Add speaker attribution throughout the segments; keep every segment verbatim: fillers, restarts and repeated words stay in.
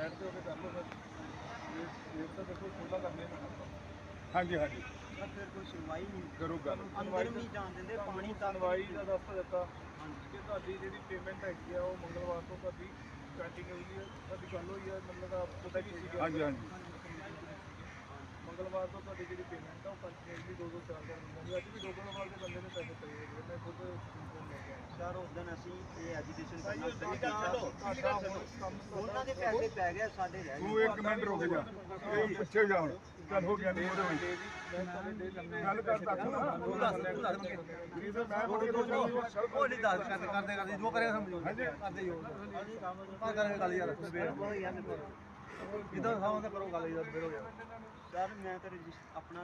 Speaker 1: Side ਤੇ ਹੋ ਕੇ ਕਰ ਲਓ ਫਿਰ ਇਹ ਤਾਂ ਦੇਖੋ ਖੁੱਲਾ ਕਰਨੇ ਪੈਣਾ। ਹਾਂਜੀ ਹਾਂਜੀ
Speaker 2: ਫਿਰ ਕੋਈ ਸੁਣਵਾਈ ਨਹੀਂ
Speaker 1: ਕਰੂਗਾ,
Speaker 2: ਅੰਦਰ ਨਹੀਂ ਜਾਣ ਦਿੰਦੇ ਪਾਣੀ ਤੱਕ।
Speaker 1: ਸੁਣਵਾਈ ਦਾ ਦੱਸ ਦਿੱਤਾ ਕਿ ਤੁਹਾਡੀ ਜਿਹੜੀ ਪੇਮੈਂਟ ਹੈਗੀ ਆ ਉਹ ਮੰਗਲਵਾਰ ਤੋਂ ਤੁਹਾਡੀ ਸਟਾਰਟਿੰਗ ਹੋਈ ਹੈ, ਤੁਹਾਡੀ ਗੱਲ ਹੋਈ ਹੈ ਮਤਲਬ ਪਤਾ ਕੀ ਸੀ। ਹਾਂਜੀ ਹਾਂਜੀ ਮੰਗਲਵਾਰ ਤੋਂ ਤੁਹਾਡੀ ਜਿਹੜੀ ਪੇਮੈਂਟ ਆ ਉਹ ਕੰਟੀਨਿਊਸਲੀ ਦੋ ਦੋ ਚਾਰ ਚਾਰ ਮਹੀਨੇ ਅੱਜ ਵੀ ਦੋ ਦੋ ਵਾਰ ਦੇ ਬੰਦੇ ਨੇ ਪੈਸੇ ਪਏ ਹੈਗੇ। ਮੈਂ ਖੁਦ
Speaker 2: ਸਰ ਉਸ ਦਿਨ ਅਸੀਂ ਇਹ ਐਜੂਕੇਸ਼ਨ ਉਹਨਾਂ ਦੇ ਪੈਸੇ ਪੈ ਗਏ, ਸਾਡੇ ਰਹਿ ਗਏ।
Speaker 1: ਤੂੰ ਇੱਕ ਮਿੰਟ ਰੁਕ ਜਾ, ਇਹ ਪਿੱਛੇ ਜਾ ਹੁਣ ਗੱਲ ਹੋ ਗਿਆ ਨਹੀਂ ਉਹਦੇ ਵਿੱਚ ਗੱਲ ਕਰ ਤੱਕ ਨਾ ਉਹ ਦੱਸ ਮੈਂ ਥੋੜੀ ਤੋਂ ਉਹ ਨਹੀਂ ਦੱਸ ਕਰਦੇ ਕਰਦੇ ਕਰਦੇ ਜੋ ਕਰੇਗਾ ਸਮਝੋ ਹਾਂਜੀ ਕਰਦੇ ਹੀ ਹੋ ਆ ਕਰਾਂਗੇ ਗੱਲ ਯਾਰ ਇਦਾਂ ਸਾਹੋਂ ਤਾਂ ਕਰੋ ਗੱਲ ਯਾਰ ਫਿਰ ਹੋ ਗਿਆ।
Speaker 2: ਸਰ ਮੈਂ ਤਾਂ ਆਪਣਾ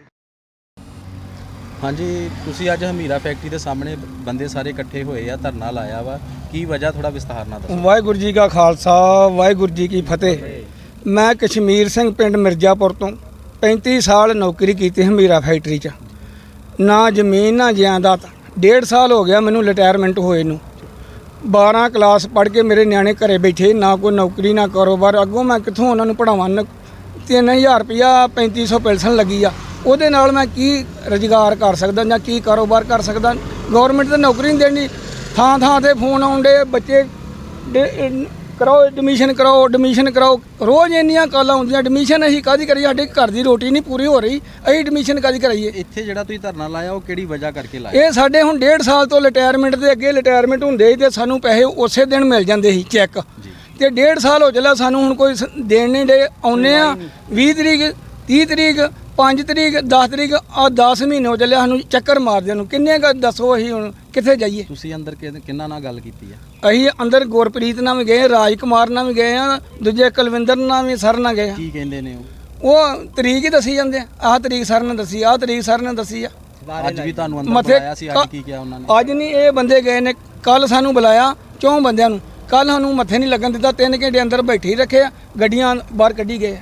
Speaker 3: ਹਾਂਜੀ ਤੁਸੀਂ ਅੱਜ ਹਮੀਰਾ ਫੈਕਟਰੀ ਦੇ ਸਾਹਮਣੇ ਬੰਦੇ ਸਾਰੇ ਇਕੱਠੇ ਹੋਏ ਆ, ਧਰਨਾ ਲਾਇਆ ਵਾ, ਕੀ ਵਜ੍ਹਾ ਥੋੜਾ ਵਿਸਥਾਰ ਨਾਲ ਦੱਸੋ।
Speaker 4: ਵਾਹਿਗੁਰੂ ਜੀ ਕਾ ਖਾਲਸਾ ਵਾਹਿਗੁਰੂ ਜੀ ਕੀ ਫਤਿਹ। ਮੈਂ ਕਸ਼ਮੀਰ ਸਿੰਘ ਪਿੰਡ ਮਿਰਜ਼ਾਪੁਰ ਤੋਂ ਪੈਂਤੀ ਸਾਲ ਨੌਕਰੀ ਕੀਤੀ ਹਮੀਰਾ ਫੈਕਟਰੀ 'ਚ, ਨਾ ਜ਼ਮੀਨ ਨਾ ਜਾਇਦਾਦ। ਡੇਢ ਸਾਲ ਹੋ ਗਿਆ ਮੈਨੂੰ ਰਿਟਾਇਰਮੈਂਟ ਹੋਏ ਨੂੰ। ਬਾਰ੍ਹਾਂ ਕਲਾਸ ਪੜ੍ਹ ਕੇ ਮੇਰੇ ਨਿਆਣੇ ਘਰੇ ਬੈਠੇ, ਨਾ ਕੋਈ ਨੌਕਰੀ ਨਾ ਕਾਰੋਬਾਰ। ਅੱਗੋਂ ਮੈਂ ਕਿੱਥੋਂ ਉਹਨਾਂ ਨੂੰ ਪੜ੍ਹਾਵਾਂ। ਤਿੰਨ ਹਜ਼ਾਰ ਰੁਪਈਆ ਪੈਂਤੀ ਸੌ ਪੈਨਸ਼ਨ ਲੱਗੀ ਆ, ਉਹਦੇ ਨਾਲ ਮੈਂ ਕੀ ਰੁਜ਼ਗਾਰ ਕਰ ਸਕਦਾ ਜਾਂ ਕੀ ਕਾਰੋਬਾਰ ਕਰ ਸਕਦਾ। ਗੌਰਮੈਂਟ ਤਾਂ ਨੌਕਰੀ ਨਹੀਂ ਦੇਣੀ। ਥਾਂ ਥਾਂ 'ਤੇ ਫੋਨ ਆਉਂਦੇ, ਬੱਚੇ ਕਰਾਓ ਐਡਮਿਸ਼ਨ ਕਰਾਓ ਐਡਮਿਸ਼ਨ ਕਰਾਓ। ਰੋਜ਼ ਇੰਨੀਆਂ ਕਾਲਾਂ ਆਉਂਦੀਆਂ, ਐਡਮਿਸ਼ਨ ਅਸੀਂ ਕਾਹਦੀ ਕਰੀਏ, ਸਾਡੇ ਘਰ ਦੀ ਰੋਟੀ ਨਹੀਂ ਪੂਰੀ ਹੋ ਰਹੀ, ਅਸੀਂ ਐਡਮਿਸ਼ਨ ਕਾਹਦੀ ਕਰਾਈਏ।
Speaker 3: ਇੱਥੇ ਜਿਹੜਾ ਤੁਸੀਂ ਧਰਨਾ ਲਾਇਆ ਉਹ ਕਿਹੜੀ ਵਜ੍ਹਾ ਕਰਕੇ ਲਾਇਆ?
Speaker 4: ਇਹ ਸਾਡੇ ਹੁਣ ਡੇਢ ਸਾਲ ਤੋਂ ਰਿਟਾਇਰਮੈਂਟ ਦੇ ਅੱਗੇ ਰਿਟਾਇਰਮੈਂਟ ਹੁੰਦੇ ਸੀ ਤੇ ਸਾਨੂੰ ਪੈਸੇ ਉਸੇ ਦਿਨ ਮਿਲ ਜਾਂਦੇ ਸੀ ਚੈੱਕ, ਤੇ ਡੇਢ ਸਾਲ ਹੋ ਚੱਲਿਆ ਸਾਨੂੰ ਹੁਣ ਕੋਈ ਦੇਣ ਨਹੀਂ ਡੇ। ਆਉਂਦੇ ਆ ਵੀਹ ਤਰੀਕ ਤੀਹ ਤਰੀਕ ਪੰਜ ਤਰੀਕ ਦਸ ਤਰੀਕ ਆ ਦਸ ਮਹੀਨੇ ਹੋ ਚੱਲਿਆ ਸਾਨੂੰ ਚੱਕਰ ਮਾਰਦੇ ਨੂੰ। ਕਿੰਨੇ ਕੁ ਦੱਸੋ ਅਸੀਂ ਹੁਣ ਕਿੱਥੇ ਜਾਈਏ।
Speaker 3: ਤੁਸੀਂ ਅੰਦਰ ਕਿੰਨਾ ਨਾਲ ਗੱਲ ਕੀਤੀ ਆ?
Speaker 4: ਅਸੀਂ ਅੰਦਰ ਗੁਰਪ੍ਰੀਤ ਨਾਲ ਵੀ ਗਏ, ਰਾਜ ਕੁਮਾਰ ਨਾਲ ਵੀ ਗਏ ਆ, ਦੂਜੇ ਕੁਲਵਿੰਦਰ ਨਾਲ ਵੀ ਸਰ ਨਾਲ ਗਏ ਆ।
Speaker 3: ਕੀ ਕਹਿੰਦੇ ਨੇ ਉਹ?
Speaker 4: ਉਹ ਤਰੀਕ ਹੀ ਦੱਸੀ ਜਾਂਦੇ ਆ, ਆਹ ਤਰੀਕ ਸਰ ਨੇ ਦੱਸੀ, ਆਹ ਤਰੀਕ ਸਰ ਨੇ ਦੱਸੀ ਆ।
Speaker 3: ਅੱਜ ਵੀ ਤੁਹਾਨੂੰ ਅੰਦਰ ਬੁਲਾਇਆ ਸੀ, ਅੱਜ ਕੀ ਕਿਹਾ ਉਹਨਾਂ ਨੇ?
Speaker 4: ਅੱਜ ਨਹੀਂ, ਇਹ ਬੰਦੇ ਗਏ ਨੇ, ਕੱਲ ਸਾਨੂੰ ਬੁਲਾਇਆ ਚੌਂ ਬੰਦਿਆਂ ਨੂੰ। ਕੱਲ ਸਾਨੂੰ ਮੱਥੇ ਨਹੀਂ ਲੱਗਣ ਦਿੱਤਾ, ਤਿੰਨ ਘੰਟੇ ਅੰਦਰ ਬੈਠੇ ਹੀ ਰੱਖੇ ਆ, ਗੱਡੀਆਂ ਬਾਹਰ ਕੱਢੀ ਗਏ।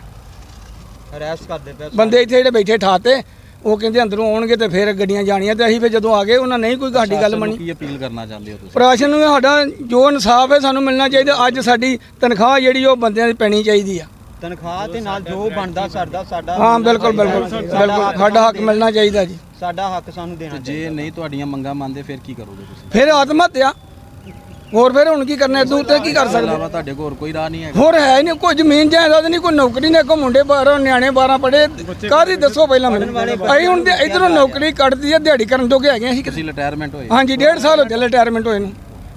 Speaker 2: ਅਰੈਸਟ ਕਰਦੇ ਪਏ
Speaker 4: ਬੰਦੇ ਇੱਥੇ ਜਿਹੜੇ ਬੈਠੇ ਠਾਤੇ, ਉਹ ਕਹਿੰਦੇ ਅੰਦਰੋਂ ਆਉਣਗੇ ਤੇ ਫਿਰ ਗੱਡੀਆਂ ਜਾਣੀਆਂ, ਤੇ ਅਸੀਂ ਫਿਰ ਜਦੋਂ ਆ ਗਏ ਉਹਨਾਂ ਨਹੀਂ ਕੋਈ ਸਾਡੀ ਗੱਲ ਮੰਨੀ।
Speaker 3: ਕੀ ਅਪੀਲ ਕਰਨਾ ਚਾਹੁੰਦੇ ਹੋ ਤੁਸੀਂ?
Speaker 4: ਪ੍ਰਸ਼ਾਸਨ ਨੂੰ ਸਾਡਾ ਜੋ ਇਨਸਾਫ ਹੈ ਸਾਨੂੰ ਮਿਲਣਾ ਚਾਹੀਦਾ। ਅੱਜ ਸਾਡੀ ਤਨਖਾਹ ਜਿਹੜੀ ਉਹ ਬੰਦਿਆਂ ਦੀ ਪੈਣੀ ਚਾਹੀਦੀ ਆ।
Speaker 2: ਤਨਖਾਹ ਤੇ ਨਾਲ ਜੋ ਬਣਦਾ ਸਾਡਾ ਸਾਡਾ
Speaker 4: ਹਾਂ ਬਿਲਕੁਲ ਬਿਲਕੁਲ ਬਿਲਕੁਲ ਸਾਡਾ ਹੱਕ ਮਿਲਣਾ ਚਾਹੀਦਾ ਜੀ।
Speaker 2: ਸਾਡਾ ਹੱਕ ਸਾਨੂੰ ਦੇਣਾ ਚਾਹੀਦਾ।
Speaker 3: ਜੇ ਨਹੀਂ ਤੁਹਾਡੀਆਂ ਮੰਗਾਂ ਮੰਨਦੇ ਫਿਰ ਕੀ ਕਰੋਗੇ ਤੁਸੀਂ?
Speaker 4: ਫਿਰ ਆਤਮ ਹੱਤਿਆ। ਹੋਰ ਫਿਰ ਹੁਣ ਕੀ ਕਰਨਾ, ਇਦੋਂ ਉੱਤੇ ਕੀ ਕਰ ਸਕਦੇ।
Speaker 3: ਤੁਹਾਡੇ ਕੋਲ ਹੋਰ ਕੋਈ ਰਾਹ ਨਹੀਂ ਹੈਗਾ?
Speaker 4: ਹੋਰ ਹੈ ਨਹੀਂ ਕੋਈ ਜ਼ਮੀਨ ਜਾਇਦਾਦ ਨਹੀਂ, ਕੋਈ ਨੌਕਰੀ ਨਹੀਂ। ਅੱਗੋਂ ਮੁੰਡੇ ਬਾਹਰੋਂ ਨਿਆਣੇ ਬਾਰਾਂ ਪੜ੍ਹੇ, ਕਾਹਦੀ ਦੱਸੋ ਪਹਿਲਾਂ ਮੈਨੂੰ। ਅਸੀਂ ਹੁਣ ਇਧਰੋਂ ਨੌਕਰੀ ਕੱਢਦੀ ਆ, ਦਿਹਾੜੀ ਕਰਨ ਜੋਗੇ ਹੈਗੇ ਅਸੀਂ।
Speaker 3: ਤੁਸੀਂ ਰਿਟਾਇਰਮੈਂਟ ਹੋਏ?
Speaker 4: ਹਾਂਜੀ ਡੇਢ ਸਾਲ ਹੋ ਚੱਲੇ ਰਿਟਾਇਰਮੈਂਟ ਹੋਏ ਨੂੰ।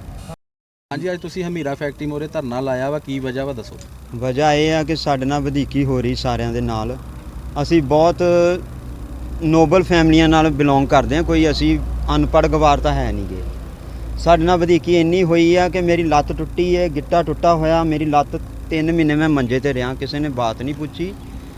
Speaker 3: ਹਾਂਜੀ ਅੱਜ ਤੁਸੀਂ ਹਮੀਰਾ ਫੈਕਟਰੀ ਮੋਰੇ ਧਰਨਾ ਲਾਇਆ ਵਾ, ਕੀ ਵਜ੍ਹਾ ਵਾ ਦੱਸੋ?
Speaker 2: ਵਜ੍ਹਾ ਇਹ ਆ ਕਿ ਸਾਡੇ ਨਾਲ ਵਧੀਕੀ ਹੋ ਰਹੀ ਸਾਰਿਆਂ ਦੇ ਨਾਲ। ਅਸੀਂ ਬਹੁਤ ਨੋਬਲ ਫੈਮਲੀਆਂ ਨਾਲ ਬਿਲੋਂਗ ਕਰਦੇ ਹਾਂ, ਕੋਈ ਅਸੀਂ ਅਨਪੜ੍ਹ ਗਵਾਰ ਤਾਂ ਹੈ ਨਹੀਂ ਗੇ। ਸਾਡੇ ਨਾਲ ਵਧੀਕੀ ਇੰਨੀ ਹੋਈ ਆ ਕਿ ਮੇਰੀ ਲੱਤ ਟੁੱਟੀ ਹੈ, ਗਿੱਟਾ ਟੁੱਟਾ ਹੋਇਆ। ਮੇਰੀ ਲੱਤ ਤਿੰਨ ਮਹੀਨੇ ਮੈਂ ਮੰਜੇ ਤੇ ਰਿਹਾ, ਕਿਸੇ ਨੇ ਬਾਤ ਨਹੀਂ ਪੁੱਛੀ।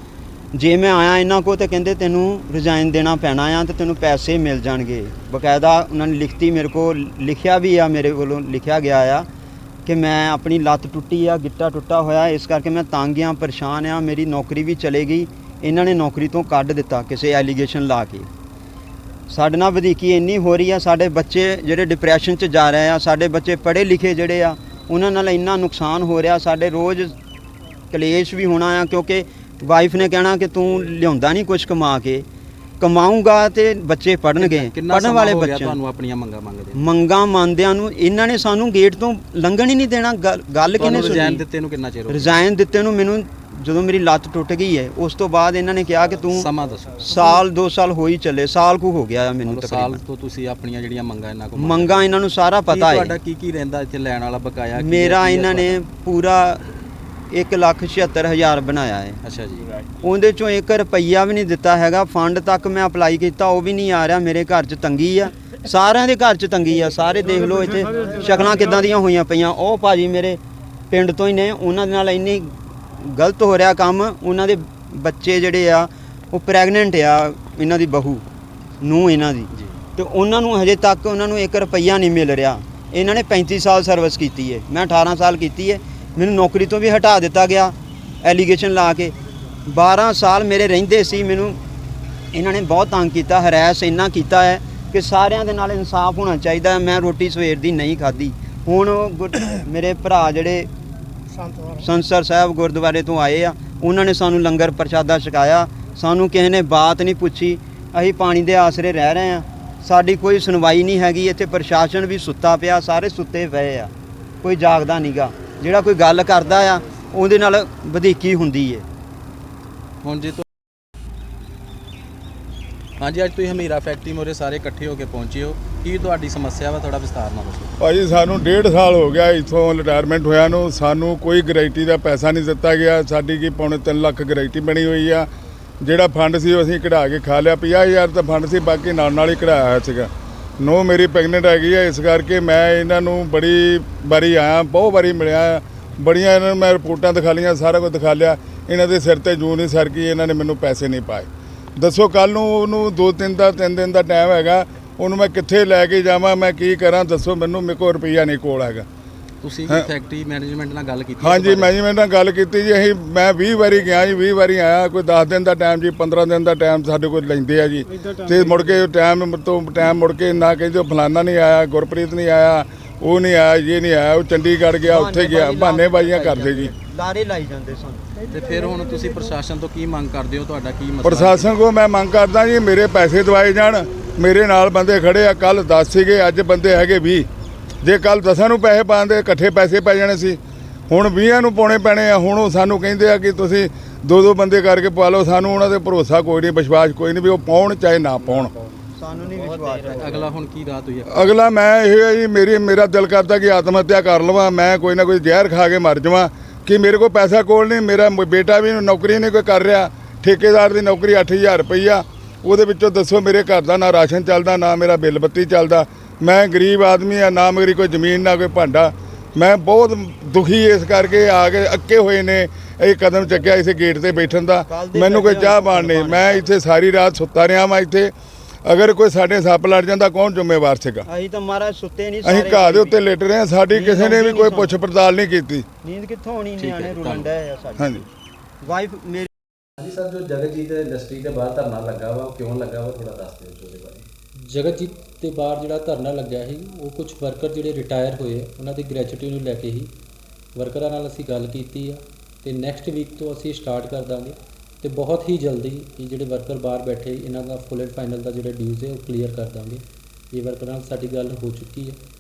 Speaker 2: ਜੇ ਮੈਂ ਆਇਆ ਇਹਨਾਂ ਕੋਲ ਤਾਂ ਕਹਿੰਦੇ ਤੈਨੂੰ ਰਿਜ਼ਾਈਨ ਦੇਣਾ ਪੈਣਾ ਆ ਤੇ ਤੈਨੂੰ ਪੈਸੇ ਮਿਲ ਜਾਣਗੇ। ਬਕਾਇਦਾ ਉਹਨਾਂ ਨੇ ਲਿਖਤੀ ਮੇਰੇ ਕੋਲ ਲਿਖਿਆ ਵੀ ਆ, ਮੇਰੇ ਵੱਲੋਂ ਲਿਖਿਆ ਗਿਆ ਆ ਕਿ ਮੈਂ ਆਪਣੀ ਲੱਤ ਟੁੱਟੀ ਆ, ਗਿੱਟਾ ਟੁੱਟਾ ਹੋਇਆ, ਇਸ ਕਰਕੇ ਮੈਂ ਤੰਗ ਆ, ਪਰੇਸ਼ਾਨ ਆ। ਮੇਰੀ ਨੌਕਰੀ ਵੀ ਚਲੇ ਗਈ, ਇਹਨਾਂ ਨੇ ਨੌਕਰੀ ਤੋਂ ਕੱਢ ਦਿੱਤਾ ਕਿਸੇ ਐਲੀਗੇਸ਼ਨ ਲਾ ਕੇ। ਸਾਡੇ ਨਾਲ ਵਧੀਕੀ ਇੰਨੀ ਹੋ ਰਹੀ ਆ, ਸਾਡੇ ਬੱਚੇ ਜਿਹੜੇ ਡਿਪਰੈਸ਼ਨ 'ਚ ਜਾ ਰਹੇ ਆ, ਸਾਡੇ ਬੱਚੇ ਪੜ੍ਹੇ ਲਿਖੇ ਜਿਹੜੇ ਆ ਉਹਨਾਂ ਨਾਲ ਇੰਨਾ ਨੁਕਸਾਨ ਹੋ ਰਿਹਾ। ਸਾਡੇ ਰੋਜ਼ ਕਲੇਸ਼ ਵੀ ਹੋਣਾ ਆ, ਕਿਉਂਕਿ ਵਾਈਫ ਨੇ ਕਹਿਣਾ ਕਿ ਤੂੰ ਲਿਆਉਂਦਾ ਨਹੀਂ ਕੁਝ ਕਮਾ ਕੇ, ਕਮਾਊਂਗਾ ਤੇ ਬੱਚੇ ਪੜ੍ਹਨਗੇ। ਪੜ੍ਹਨ ਵਾਲੇ ਬੱਚੇ
Speaker 3: ਤੁਹਾਨੂੰ ਆਪਣੀਆਂ ਮੰਗਾਂ ਮੰਗਦੇ
Speaker 2: ਮੰਗਾਂ ਮੰਨਦਿਆਂ ਨੂੰ ਇਹਨਾਂ ਨੇ ਸਾਨੂੰ ਗੇਟ ਤੋਂ ਲੰਘਣ ਹੀ ਨਹੀਂ ਦੇਣਾ। ਗੱਲ ਕਿਹਨੇ ਸੁਣੀ?
Speaker 3: ਰਿਜ਼ਾਈਨ ਦਿੱਤੇ ਨੂੰ ਕਿੰਨਾ ਚਿਰ ਹੋ ਗਿਆ?
Speaker 2: ਰਿਜ਼ਾਈਨ ਦਿੱਤੇ ਨੂੰ ਮੈਨੂੰ ਜਦੋਂ ਮੇਰੀ ਲੱਤ ਟੁੱਟ ਗਈ ਹੈ ਉਸ ਤੋਂ ਬਾਅਦ ਇਹਨਾਂ ਨੇ ਕਿਹਾ ਕਿ ਤੂੰ
Speaker 3: ਸਮਾਂ ਦੱਸੋ।
Speaker 2: ਸਾਲ ਦੋ ਸਾਲ ਹੋ ਹੀ ਚੱਲੇ, ਸਾਲ ਕੁ ਹੋ ਗਿਆ ਆ ਮੈਨੂੰ
Speaker 3: ਸਾਲ
Speaker 2: ਤਕਰੀਬਨ।
Speaker 3: ਤੋਂ ਤੁਸੀਂ ਆਪਣੀਆਂ ਜਿਹੜੀਆਂ ਮੰਗਾਂ ਇਹਨਾਂ ਕੋਲ
Speaker 2: ਮੰਗਾਂ ਇਹਨਾਂ ਨੂੰ ਸਾਰਾ ਪਤਾ ਹੈ।
Speaker 3: ਤੁਹਾਡਾ ਕੀ ਕੀ ਰਹਿੰਦਾ ਇੱਥੇ ਲੈਣ ਵਾਲਾ ਬਕਾਇਆ?
Speaker 2: ਮੇਰਾ ਇਹਨਾਂ ਨੇ ਪੂਰਾ ਇੱਕ ਲੱਖ ਛਿਹੱਤਰ ਹਜ਼ਾਰ ਬਣਾਇਆ ਹੈ।
Speaker 3: ਅੱਛਾ ਜੀ।
Speaker 2: ਉਹਦੇ ਚੋਂ ਇੱਕ ਰੁਪਈਆ ਵੀ ਨਹੀਂ ਦਿੱਤਾ ਹੈਗਾ। ਫੰਡ ਤੱਕ ਮੈਂ ਅਪਲਾਈ ਕੀਤਾ, ਉਹ ਵੀ ਨਹੀਂ ਆ ਰਿਹਾ। ਮੇਰੇ ਘਰ 'ਚ ਤੰਗੀ ਆ, ਸਾਰਿਆਂ ਦੇ ਘਰ 'ਚ ਤੰਗੀ ਆ। ਸਾਰੇ ਦੇਖ ਲਓ ਇੱਥੇ ਸ਼ਕਲਾਂ ਕਿੱਦਾਂ ਦੀਆਂ ਹੋਈਆਂ ਪਈਆਂ। ਉਹ ਭਾਜੀ ਮੇਰੇ ਪਿੰਡ ਤੋਂ ਹੀ ਨੇ, ਉਹਨਾਂ ਦੇ ਨਾਲ ਇੰਨੀ ਗਲਤ ਹੋ ਰਿਹਾ ਕੰਮ। ਉਹਨਾਂ ਦੇ ਬੱਚੇ ਜਿਹੜੇ ਆ ਉਹ ਪ੍ਰੈਗਨੈਂਟ ਆ, ਇਹਨਾਂ ਦੀ ਬਹੂ ਨੂੰ ਇਹਨਾਂ ਦੀ, ਤੇ ਉਹਨਾਂ ਨੂੰ ਹਜੇ ਤੱਕ ਉਹਨਾਂ ਨੂੰ ਇੱਕ ਰੁਪਈਆ ਨਹੀਂ ਮਿਲ ਰਿਹਾ। ਇਹਨਾਂ ਨੇ ਪੈਂਤੀ ਸਾਲ ਸਰਵਿਸ ਕੀਤੀ ਹੈ, ਮੈਂ ਅਠਾਰਾਂ ਸਾਲ ਕੀਤੀ ਹੈ। ਮੈਨੂੰ ਨੌਕਰੀ ਤੋਂ ਵੀ ਹਟਾ ਦਿੱਤਾ ਗਿਆ ਐਲੀਗੇਸ਼ਨ ਲਾ ਕੇ। ਬਾਰਾਂ ਸਾਲ ਮੇਰੇ ਰਹਿੰਦੇ ਸੀ, ਮੈਨੂੰ ਇਹਨਾਂ ਨੇ ਬਹੁਤ ਤੰਗ ਕੀਤਾ, ਹਰੈਸ ਇੰਨਾ ਕੀਤਾ ਹੈ ਕਿ ਸਾਰਿਆਂ ਦੇ ਨਾਲ ਇਨਸਾਫ ਹੋਣਾ ਚਾਹੀਦਾ। ਮੈਂ ਰੋਟੀ ਸਵੇਰ ਦੀ ਨਹੀਂ ਖਾਧੀ। ਹੁਣ ਮੇਰੇ ਭਰਾ ਜਿਹੜੇ ਸੰਸਰ ਸਾਹਿਬ ਗੁਰਦੁਆਰੇ ਤੋਂ ਆਏ ਆ, ਉਹਨਾਂ ਨੇ ਸਾਨੂੰ ਲੰਗਰ ਪ੍ਰਸ਼ਾਦਾ ਛਕਾਇਆ। ਸਾਨੂੰ ਕਿਸੇ ਨੇ ਬਾਤ ਨਹੀਂ ਪੁੱਛੀ, ਅਸੀਂ ਪਾਣੀ ਦੇ ਆਸਰੇ ਰਹਿ ਰਹੇ ਆ, ਸਾਡੀ ਕੋਈ ਸੁਣਵਾਈ ਨਹੀਂ ਹੈਗੀ। ਇੱਥੇ ਪ੍ਰਸ਼ਾਸਨ ਵੀ ਸੁੱਤਾ ਪਿਆ, ਸਾਰੇ ਸੁੱਤੇ ਪਏ ਆ, ਕੋਈ ਜਾਗਦਾ ਨਹੀਂਗਾ। ਜਿਹੜਾ ਕੋਈ ਗੱਲ ਕਰਦਾ ਆ ਉਹਦੇ ਨਾਲ ਵਧੀਕੀ ਹੁੰਦੀ ਹੈ।
Speaker 3: ਹੁਣ ਜੇ ਤੁ- ਹਾਂਜੀ, ਅੱਜ ਤੁਸੀਂ ਹਮੀਰਾ ਫੈਕਟਰੀ ਮੋਰੇ ਸਾਰੇ ਇਕੱਠੇ ਹੋ ਕੇ ਪਹੁੰਚੇ ਹੋ, ਕੀ ਤੁਹਾਡੀ ਸਮੱਸਿਆ ਵਾ? ਥੋੜਾ ਵਿਸਤਾਰ ਨਾਲ ਦੱਸੋ।
Speaker 1: ਭਾਜੀ ਸਾਨੂੰ ਡੇਢ ਸਾਲ ਹੋ ਗਿਆ ਇੱਥੋਂ ਰਿਟਾਇਰਮੈਂਟ ਹੋਇਆ ਨੂੰ, ਸਾਨੂੰ ਕੋਈ ਗਰੰਟੀ ਦਾ ਪੈਸਾ ਨਹੀਂ ਦਿੱਤਾ ਗਿਆ। ਸਾਡੀ ਕੀ ਪੌਣੇ ਤਿੰਨ ਲੱਖ ਗਰੰਟੀ ਬਣੀ ਹੋਈ ਆ। ਜਿਹੜਾ ਫੰਡ ਸੀ ਉਹ ਅਸੀਂ ਕਢਾ ਕੇ ਖਾ ਲਿਆ। ਪੰਜਾਹ ਹਜ਼ਾਰ ਤਾਂ ਫੰਡ ਸੀ, ਬਾਕੀ ਨਾਲ ਨਾਲ ਹੀ ਕਢਾਇਆ ਹੋਇਆ ਸੀਗਾ। ਨੋ ਮੇਰੀ ਪ੍ਰੈਗਨੈਂਟ ਹੈਗੀ ਆ, ਇਸ ਕਰਕੇ ਮੈਂ ਇਹਨਾਂ ਨੂੰ ਬੜੀ ਵਾਰੀ ਆਇਆ, ਬਹੁਤ ਵਾਰੀ ਮਿਲਿਆ, ਬੜੀਆਂ ਇਹਨਾਂ ਨੂੰ ਮੈਂ ਰਿਪੋਰਟਾਂ ਦਿਖਾ ਲਈਆਂ, ਸਾਰਾ ਕੁਝ ਦਿਖਾ ਲਿਆ। ਇਹਨਾਂ ਦੇ ਸਿਰ ਤੇ ਜੂੰ ਨਹੀਂ ਸਰਕੀ, ਇਹਨਾਂ ਨੇ ਮੈਨੂੰ ਪੈਸੇ ਨਹੀਂ ਪਾਏ। ਦੱਸੋ ਕੱਲ੍ਹ ਨੂੰ ਉਹਨੂੰ ਦੋ ਤਿੰਨ ਦਾ ਤਿੰਨ ਦਿਨ ਦਾ ਟਾਈਮ ਹੈਗਾ, ਉਹਨੂੰ ਮੈਂ ਕਿੱਥੇ ਲੈ ਕੇ ਜਾਵਾਂ, ਮੈਂ ਕੀ ਕਰਾਂ ਦੱਸੋ ਮੈਨੂੰ? ਮੇਰੇ ਕੋਲ ਰੁਪਈਆ ਨਹੀਂ ਕੋਲ ਹੈਗਾ।
Speaker 3: ਤੁਸੀਂ ਫੈਕਟਰੀ ਮੈਨੇਜਮੈਂਟ ਨਾਲ ਗੱਲ ਕੀਤੀ?
Speaker 1: ਹਾਂਜੀ, ਮੈਨੇਜਮੈਂਟ ਨਾਲ ਗੱਲ ਕੀਤੀ ਜੀ। ਅਸੀਂ ਮੈਂ ਵੀਹ ਵਾਰੀ ਗਿਆ ਜੀ, ਵੀਹ ਵਾਰੀ ਆਇਆ। ਕੋਈ ਦਸ ਦਿਨ ਦਾ ਟਾਈਮ ਜੀ, ਪੰਦਰਾਂ ਦਿਨ ਦਾ ਟਾਈਮ ਸਾਡੇ ਕੋਲ ਲੈਂਦੇ ਆ ਜੀ। ਤੇ ਮੁੜ ਕੇ ਟਾਈਮ ਤੋਂ ਟਾਈਮ ਮੁੜ ਕੇ ਨਾ ਕਹਿੰਦੇ ਫਲਾਨਾ ਨਹੀਂ ਆਇਆ, ਗੁਰਪ੍ਰੀਤ ਨਹੀਂ ਆਇਆ, ਉਹ ਨਹੀਂ ਆਇਆ, ਇਹ ਨਹੀਂ ਆਇਆ, ਉਹ ਚੰਡੀਗੜ੍ਹ ਗਿਆ, ਉੱਥੇ ਗਿਆ, ਬਹਾਨੇਬਾਜ਼ੀਆਂ ਕਰਦੇ ਜੀ,
Speaker 2: ਲਾਰੇ ਲਾਈ ਜਾਂਦੇ ਸਨ।
Speaker 3: ਤੇ ਫਿਰ ਹੁਣ ਤੁਸੀਂ ਪ੍ਰਸ਼ਾਸਨ ਤੋਂ ਕੀ ਮੰਗ ਕਰਦੇ ਹੋ? ਤੁਹਾਡਾ ਕੀ ਮਸਲਾ?
Speaker 1: ਪ੍ਰਸ਼ਾਸਨ ਕੋ ਮੈਂ ਮੰਗ ਕਰਦਾ ਜੀ, ਮੇਰੇ ਪੈਸੇ ਦਵਾਏ ਜਾਣ। ਮੇਰੇ ਨਾਲ ਬੰਦੇ ਖੜੇ ਆ, ਕੱਲ ਦਸ ਸੀਗੇ, ਅੱਜ ਬੰਦੇ ਹੈਗੇ ਵੀਹ। ਜੇ ਕੱਲ ਦਸਾਂ ਨੂੰ ਪੈਸੇ ਪਾਉਂਦੇ ਇਕੱਠੇ ਪੈਸੇ ਪੈ ਜਾਣੇ ਸੀ, ਹੁਣ ਵੀਹਾਂ ਨੂੰ ਪਾਉਣੇ ਪੈਣੇ ਆ। ਹੁਣ ਉਹ ਸਾਨੂੰ ਕਹਿੰਦੇ ਆ ਕਿ ਤੁਸੀਂ ਦੋ ਦੋ ਬੰਦੇ ਕਰਕੇ ਪਾ ਲਓ। ਸਾਨੂੰ ਉਹਨਾਂ 'ਤੇ ਭਰੋਸਾ ਕੋਈ ਨਹੀਂ, ਵਿਸ਼ਵਾਸ ਕੋਈ ਨਹੀਂ ਵੀ ਉਹ ਪਾਉਣ ਚਾਹੇ ਨਾ ਪਾਉਣ।
Speaker 2: ਸਾਨੂੰ ਨਹੀਂ ਵਿਸ਼ਵਾਸ ਹੈ।
Speaker 3: ਅਗਲਾ ਹੁਣ ਕੀ ਰਾਤ ਹੋਈ ਹੈ?
Speaker 1: ਅਗਲਾ ਮੈਂ ਇਹ ਹੈ ਜੀ, ਮੇਰੀ ਮੇਰਾ ਦਿਲ ਕਰਦਾ ਕਿ ਆਤਮ ਹੱਤਿਆ ਕਰ ਲਵਾਂ, ਮੈਂ ਕੋਈ ਨਾ ਕੋਈ ਜ਼ਹਿਰ ਖਾ ਕੇ ਮਰ ਜਾਵਾਂ। ਕਿ ਮੇਰੇ ਕੋਲ ਪੈਸਾ ਕੋਲ ਨਹੀਂ, ਮੇਰਾ ਮ- ਬੇਟਾ ਵੀ ਨੌਕਰੀ ਨਹੀਂ ਕੋਈ ਕਰ ਰਿਹਾ, ਠੇਕੇਦਾਰ ਦੀ ਨੌਕਰੀ ਅੱਠ ਹਜ਼ਾਰ ਰੁਪਈਆ, ਉਹਦੇ ਵਿੱਚੋਂ ਦੱਸੋ ਮੇਰੇ ਘਰ ਦਾ ਨਾ ਰਾਸ਼ਨ ਚੱਲਦਾ, ਨਾ ਮੇਰਾ ਬਿੱਲ ਬੱਤੀ ਚੱਲਦਾ। ਮੈਂ ਗਰੀਬ ਆਦਮੀ ਆ, ਨਾ ਮੇਰੀ ਕੋਈ ਜ਼ਮੀਨ, ਨਾ ਕੋਈ ਭਾਂਡਾ। ਮੈਂ ਬਹੁਤ ਦੁਖੀ ਇਸ ਕਰਕੇ ਆ ਕੇ ਅੱਕੇ ਹੋਏ ਨੇ ਇਹ ਕਦਮ ਚੱਕਿਆ ਇਸ ਗੇਟ ਤੇ ਬੈਠਣ ਦਾ। ਮੈਨੂੰ ਕੋਈ ਚਾਹ ਪਾਣ ਨਹੀਂ, ਮੈਂ ਇੱਥੇ ਸਾਰੀ ਰਾਤ ਸੁੱਤਾ ਰਿਹਾ ਵਾਂ ਇੱਥੇ। ਅਗਰ ਕੋਈ ਸਾਡੇ ਸੱਪ ਲੜ ਜਾਂਦਾ ਕੌਣ ਜ਼ਿੰਮੇਵਾਰ ਸੀਗਾ?
Speaker 2: ਅਸੀਂ ਤਾਂ ਮਹਾਰਾਜ ਸੁੱਤੇ ਨਹੀਂ,
Speaker 1: ਅਸੀਂ ਘਾਹ ਦੇ ਉੱਤੇ ਲੇਟ ਰਹੇ ਹਾਂ, ਸਾਡੀ ਕਿਸੇ ਨੇ ਵੀ ਕੋਈ ਪੁੱਛ ਪੜਤਾਲ ਨਹੀਂ ਕੀਤੀ।
Speaker 2: ਨੀਂਦ ਕਿੱਥੋਂ ਆਉਣੀ? ਨਿਆਣੇ ਰੁਲਣ ਡਏ ਆ ਸਾਡੇ।
Speaker 1: ਹਾਂਜੀ
Speaker 2: ਵਾਈਫ ਮੇਰੀ
Speaker 3: ਹਾਂਜੀ ਸਰ, ਜੋ ਜਗਤਜੀਤ ਇੰਡਸਟਰੀ ਦੇ ਬਾਹਰ ਧਰਨਾ ਲੱਗਾ ਵਾ, ਉਹ ਕਿਉਂ ਲੱਗਾ ਵਾ? ਥੋੜਾ ਦੱਸ ਦਿਓ ਉਹਦੇ ਬਾਰੇ।
Speaker 5: ਜਗਤਜੀਤ ਦੇ ਬਾਹਰ ਜਿਹੜਾ ਧਰਨਾ ਲੱਗਿਆ ਸੀ, ਉਹ ਕੁਝ ਵਰਕਰ ਜਿਹੜੇ ਰਿਟਾਇਰ ਹੋਏ ਆ, ਉਹਨਾਂ ਦੀ ਗ੍ਰੈਚੁਇਟੀ ਨੂੰ ਲੈ ਕੇ ਹੀ ਵਰਕਰਾਂ ਨਾਲ ਅਸੀਂ ਗੱਲ ਕੀਤੀ ਆ। ਤੇ ਨੈਕਸਟ ਵੀਕ ਤੋਂ ਅਸੀਂ ਸਟਾਰਟ ਕਰ ਦਾਂਗੇ ਤੇ ਬਹੁਤ ਹੀ ਜਲਦੀ ਇਹ ਜਿਹੜੇ ਵਰਕਰ ਬਾਹਰ ਬੈਠੇ ਇਹਨਾਂ ਦਾ ਫੁੱਲ ਐਂਡ ਫਾਈਨਲ ਦਾ ਜਿਹੜਾ ਡਿਊਜ਼ ਹੈ ਉਹ ਕਲੀਅਰ ਕਰ ਦਾਂਗੇ। ਇਹ ਵਰਕਰਾਂ ਨਾਲ ਸਾਡੀ ਗੱਲ ਹੋ ਚੁੱਕੀ ਹੈ।